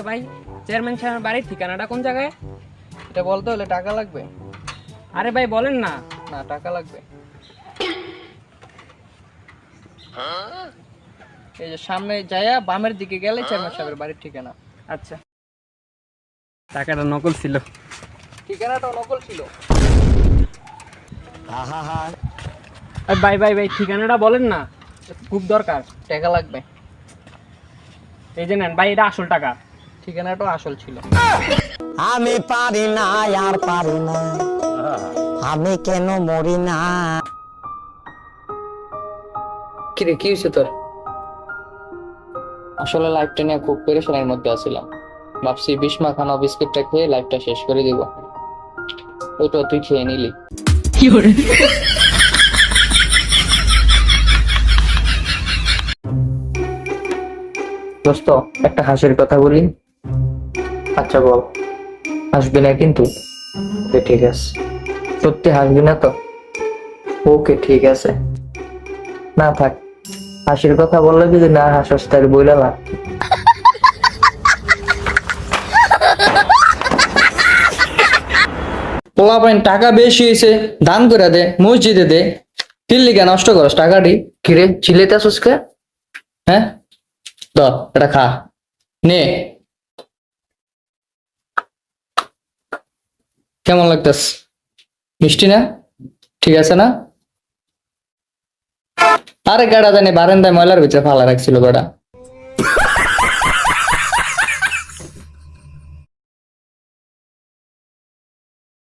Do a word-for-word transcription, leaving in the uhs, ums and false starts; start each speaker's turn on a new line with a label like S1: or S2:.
S1: ভাই, চেয়ারম্যান সাহেবের বাড়ির ঠিকানাটা কোন জায়গায়?
S2: এটা বলতে হলে টাকা লাগবে।
S1: আরে ভাই বলেন না।
S2: না, টাকা লাগবে। এই যে সামনে যাইয়া বামের দিকে গেলে চেয়ারম্যান সাহেবের বাড়ির ঠিকানা।
S1: আচ্ছা, টাকাটা নকল ছিল।
S2: ঠিকানাটাও নকল ছিল।
S1: আর ভাই ভাই ভাই ঠিকানাটা বলেন না, খুব দরকার।
S2: টাকা লাগবে।
S1: এই যে নেন ভাই, এটা আসল টাকা।
S2: ঠিকানাটাও আসল ছিল।
S3: আমি পারি না আর পারি না, আমি কেন মরি না।
S2: কিরে, কি হয়েছে তোর? আসলে লাইফটা নিয়ে খুব পেরেশানির মধ্যে আছিলাম। ভাবছি বিস্মা খানা বিস্কিটটা খেয়ে লাইফটা শেষ করে দিব। ওইটা তুই খেয়ে নিলি। দোস্ত, একটা হাসির কথা বলি। আচ্ছা বল। হাসবি না কিন্তু? ওকে ঠিক আছে। সত্যি হাসবি না তো? ওকে ঠিক আছে। না থাক, হাসির কথা বললে যদি না হাসস তাহলে বইলা না। পোলাপাইন টাকা বেশি হয়েছে, দান করে দে, মসজিদে দে। দিল্লি কে নষ্ট করস টাকাটি? কিরে চিলেতে আসুস কে? হ্যাঁ, দ এটা খা, নে। কেমন লাগতেস? মিষ্টি না? ঠিক আছে না? আরে গাড়া জানি বারান্দায় ময়লার ভিতরে ফালা রাখছিল গাড়া।